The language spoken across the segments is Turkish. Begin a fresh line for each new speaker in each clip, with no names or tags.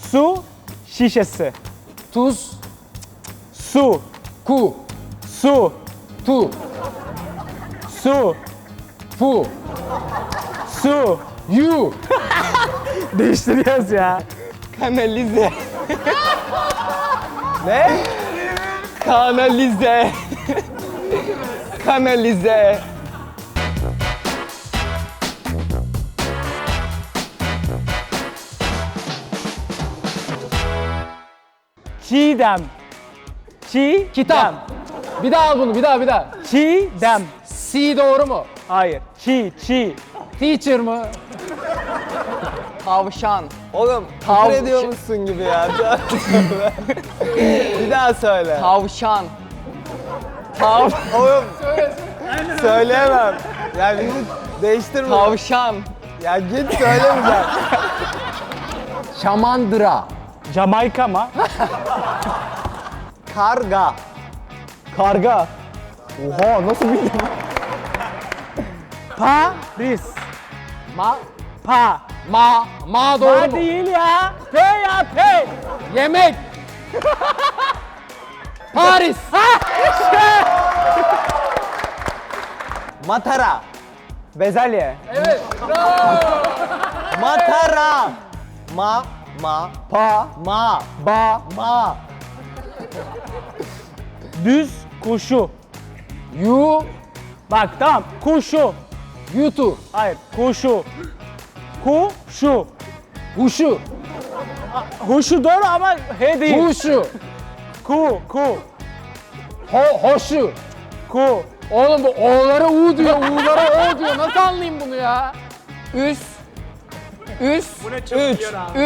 Su şişesi.
Tuz.
Su.
Ku.
Su.
Tu.
Su.
Fu.
Su.
Yu.
Değiştiriyoruz ya.
Kanalize. Ne? Kanalize. Kanalize.
Çiğdem. Çiğdem.
Kitap. Bir daha al bunu, bir daha.
Çiğdem.
C doğru mu?
Hayır. Çi.
Teacher mı?
Tavşan. Oğlum
Tav-
küfür ediyor musun gibi ya? Bir daha söyle.
Tavşan.
Oğlum söyleyemem. Ya bizi değiştirme.
Tavşan.
Ya git söylemeyeceğim.
Şamandıra.
Jamaika mı?
Karga.
Karga.
Oha nasıl bildin?
Paris.
Ma.
Pa.
Ma doğru
Ma
mu?
değil ya. P ya P.
Yemek. Paris.
Matara.
Bezelye.
Evet. Bravo.
Matara.
Pa.
Ma.
Düz kuşu.
Yu.
Bak tamam. Kuşu.
Yutu.
Hayır. Kuşu. Kuşu.
Huşu.
Huşu doğru ama H değil.
Huşu.
Ku.
Hoşu.
Ku.
Oğlum bu O'lara U diyor, U'lara O diyor. Nasıl anlayayım bunu ya? Üs.
Bu ne çabuk yiyor abi.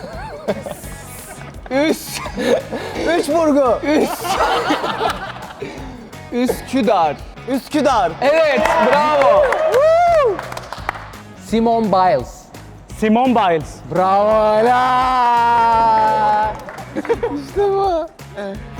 Üç burgu.
Üsküdar.
Üsküdar.
Evet, bravo. Simone Biles.
Simone Biles.
Bravo la. İşte bu.